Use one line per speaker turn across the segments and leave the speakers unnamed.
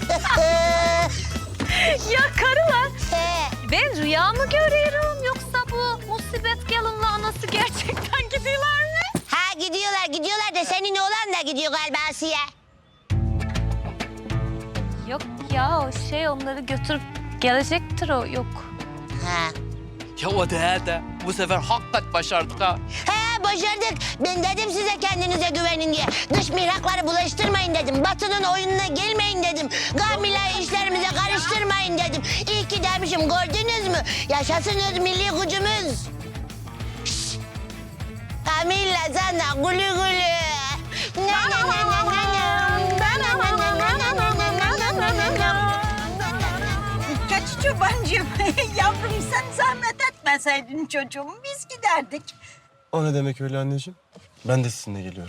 Ya karılar, ben rüya mı görüyorum yoksa bu musibet gelinle anası gerçekten gidiyorlar mı?
Ha gidiyorlar da senin oğlan da gidiyor galiba Asiye.
Yok ya o şey onları götürüp gelecektir o yok.
Ha.
Ya o da bu sefer hakikaten başardık ha.
He başardık. Ben dedim size kendinize güvenin diye. Dış mihrakları bulaştırmayın dedim. Batı'nın oyununa gelmeyin dedim. Gamile işlerimize karıştırmayın dedim. İyi ki demişim gördünüz mü? Yaşasınız milli gücümüz. Şşş. Kamilla sana gülü gülü. Na na na na na na. Na na na na na na na na na na.
Kaç çobancığım, yavrum sen zahmet etmeseydin çocuğum, biz giderdik.
O ne demek öyle anneciğim? Ben de sizinle geliyorum.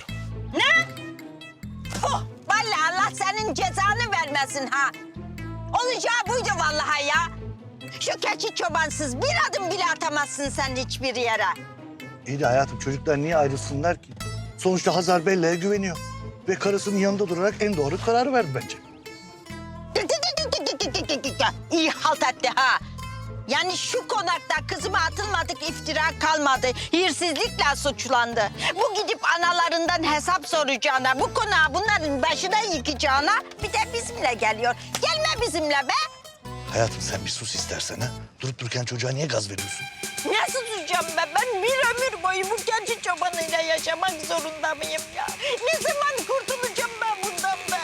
Puh, vallahi Allah senin cezanı vermesin ha. Olacağı buydu vallahi ya. Şu keçi çobansız bir adım bile atamazsın sen hiçbir yere.
İyi de hayatım çocuklar niye ayrılsınlar ki? Sonuçta Hazar Bella'ya güveniyor. Ve karısının yanında durarak en doğru kararı verdi bence.
İyi halt etti ha. Yani şu konakta kızıma atılmadık iftira kalmadı. Hırsızlıkla suçlandı. Bu gidip analarından hesap soracağına, bu konağı bunların başına yıkacağına bir de bizimle geliyor. Gelme bizimle be.
Hayatım sen bir sus istersen ha. Durup dururken çocuğa niye gaz veriyorsun?
Nasıl susacağım ben? Ben bir ömür boyu bu keçi çobanıyla yaşamak zorunda mıyım ya? Ne zaman kurtulacağım ben bundan be?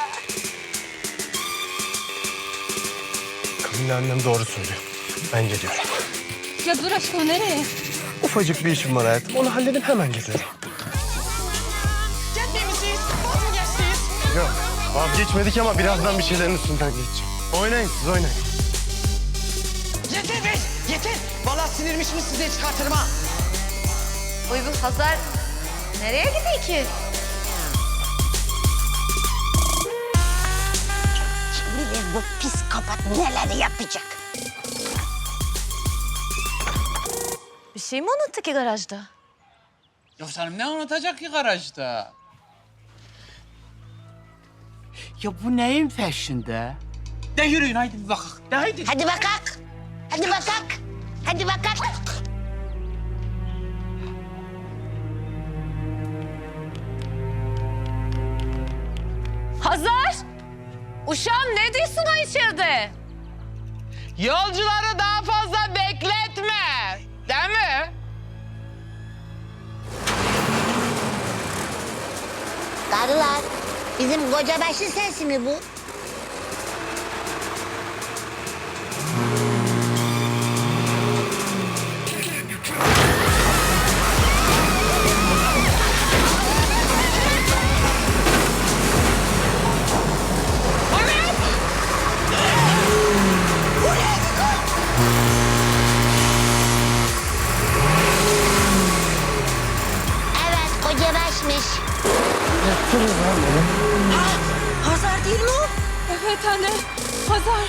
Kamilla annem doğru söylüyor. Ben geliyorum.
Ya dur aşkım nereye?
Ufacık bir işim var hayatım. Onu halledip hemen geliyorum.
Gitmemişiz. Vaz mı geçtiniz?
Yok vazgeçmedik ama birazdan bir şeylerin üstünden geçeceğim. Oynayın siz oynayın.
Yeter be, yeter. Vallahi sinirmişsiniz size çıkartırım ha.
Uy bu Hazar nereye gidiyor ki?
Kim bilir bu psikopat neler yapacak?
Bir şey mi unuttu ki garajda?
Yok canım ne unutacak ki garajda? Ya bu neyin peşinde? De yürüyün haydi bir bakalım. De haydi.
Hadi bakak. Hadi bakak. Hadi bakak.
Hazar! Uşağım ne diyorsun ha içeride?
Yolcuları daha fazla bekletme. Değil mi?
Karılar, bizim kocabaşı sesi mi bu? Evet, kocabaşmış.
Hazar değil mi o?
Evet anne. Hazar.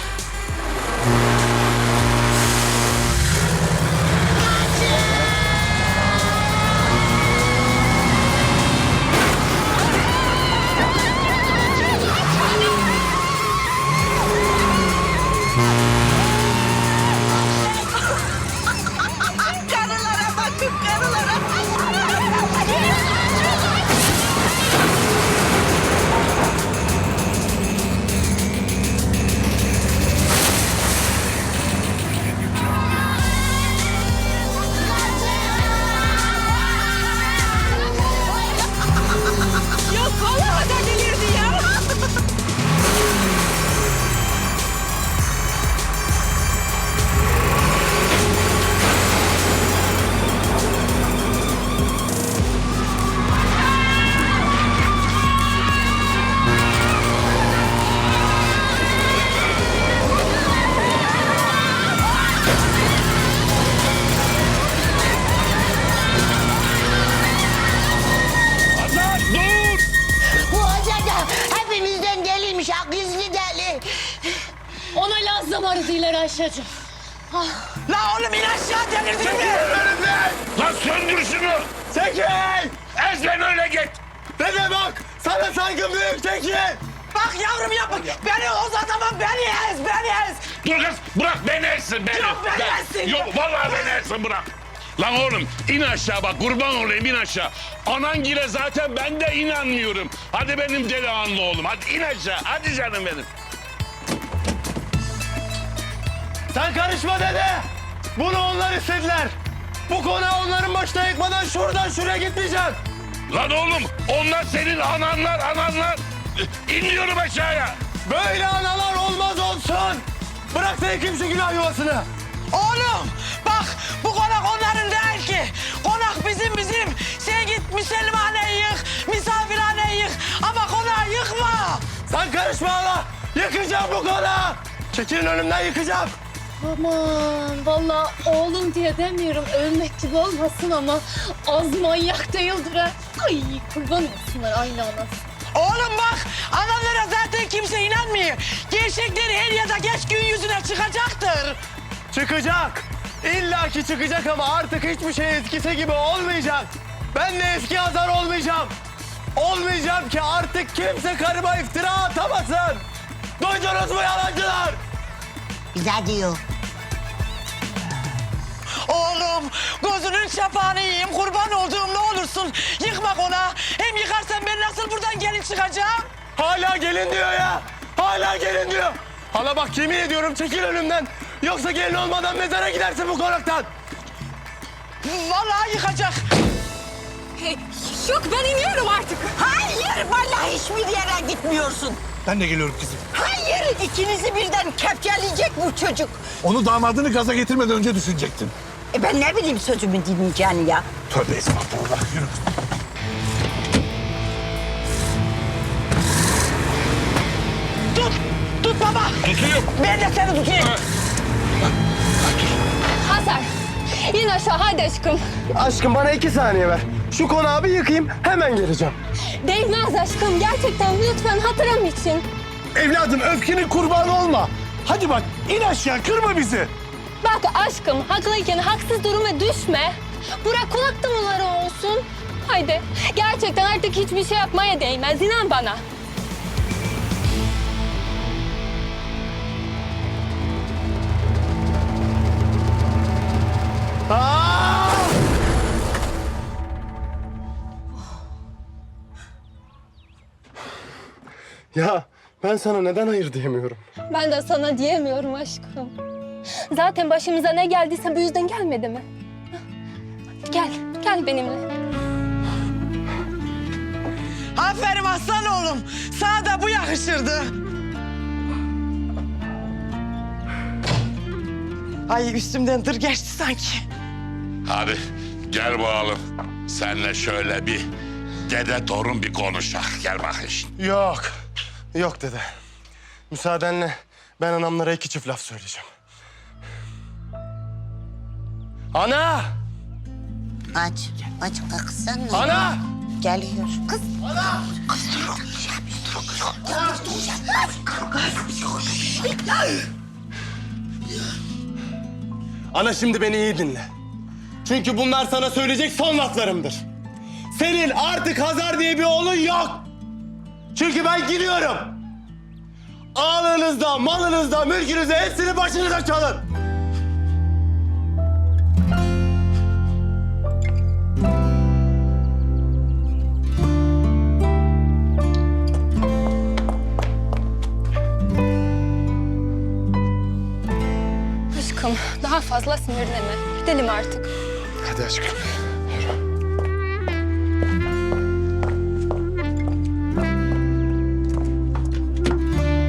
Karılara bakın karılara.
Yok vallahi da delirdi ya.
Bu hoca da hepimizden deliymiş, ha gizli deli.
Ona Laz'la arıdılar Ayşe'cim.
La oğlum in aşağı delirdin mi?
Lan söndür şunu! Tekin! Ezben öyle git! Dede bak! Sana saygım büyük Tekin!
Bak yavrum yapma. Beni uzatamam
yersin beni.
Yok, ben yersin.
Yok vallahi ben yersin bırak. Lan oğlum in aşağı bak kurban olayım in aşağı. Anangile zaten ben de inanmıyorum. Hadi benim delikanlı oğlum hadi in aşağı. Hadi canım benim.
Sen karışma dede. Bunu onlar istediler. Bu konağı onların başına yıkmadan şuradan şuraya gitmeyeceğim.
Lan oğlum onlar senin ananlar. İniyorum aşağıya.
Böyle analar olmaz olsun. Bırak sen kimse günah yuvasını.
Oğlum bak bu konak onların değil ki. Konak bizim. Sen git Müslümaneyi yık, misafirhaneyi yık ama konağı yıkma.
Sen karışma hala. Yıkacağım bu konağı. Çekilin önümden yıkacağım.
Aman vallahi oğlum diye demiyorum ölmek gibi olmasın ama az manyak değildir ha. Ay kurban olsunlar aynı anası.
Oğlum bak analara zaten kimse inanmıyor. Gerçekleri her ya da geç gün yüzüne çıkacaktır.
Çıkacak. İlla ki çıkacak ama artık hiçbir şey eskisi gibi olmayacak. Ben de eski Hazar olmayacağım. Olmayacağım ki artık kimse karıma iftira atamasın. Duydunuz mu yalancılar?
Bize diyor.
Oğlum gözünün çapağını yiyeyim kurban olduğum ne olursun. Yıkma konağı. Hem yıkarsan ben nasıl buradan gelin çıkacağım?
Hala gelin diyor ya. Hala gelin diyor. Hala bak yemin ediyorum çekil önümden. Yoksa gelin olmadan mezara gidersin bu konaktan.
Vallahi yıkacak.
Yok ben iniyorum artık.
Hayır vallahi hiçbir yere gitmiyorsun.
Ben de geliyorum kızım.
Hayır ikinizi birden kepçeleyecek bu çocuk.
Onu damadını gaza getirmeden önce düşünecektin.
Ben ne bileyim sözümü dinleyeceğini ya.
Tövbe estağfurullah. Yürü.
Tut baba.
Tutuyorum.
Ben de seni tutayım.
Hazar in aşağı hadi aşkım.
Aşkım bana 2 saniye ver. Şu konağı bir yıkayayım hemen geleceğim.
Değmez aşkım gerçekten lütfen hatırım için.
Evladım öfkenin kurbanı olma. Hadi bak in aşağı kırma bizi.
Bak aşkım haklıyken haksız duruma düşme. Bırak kulak damlaları olsun. Haydi gerçekten artık hiçbir şey yapmaya değmez inan bana.
Aa! Ya ben sana neden hayır diyemiyorum?
Ben de sana diyemiyorum aşkım. Zaten başımıza ne geldiyse bu yüzden gelmedi mi? Gel benimle.
Aferin aslan oğlum. Sana da bu yakışırdı. Ay üstümden dır geçti sanki.
Hadi gel bakalım. Seninle şöyle bir dede torun bir konuşak. Gel bakayım şimdi.
Yok dede. Müsaadenle ben anamlara 2 çift laf söyleyeceğim. Ana!
Aç kalksana.
Ana!
Geliyor. Kız.
Ana şimdi beni iyi dinle. Çünkü bunlar sana söyleyecek son laflarımdır. Senin artık Hazar diye bir oğlun yok. Çünkü ben gidiyorum. Ağlığınızda, malınızda, mülkünüzde hepsini başınıza çalın.
Aşkım daha fazla sinirlenme. Gidelim artık.
Hadi aşkım.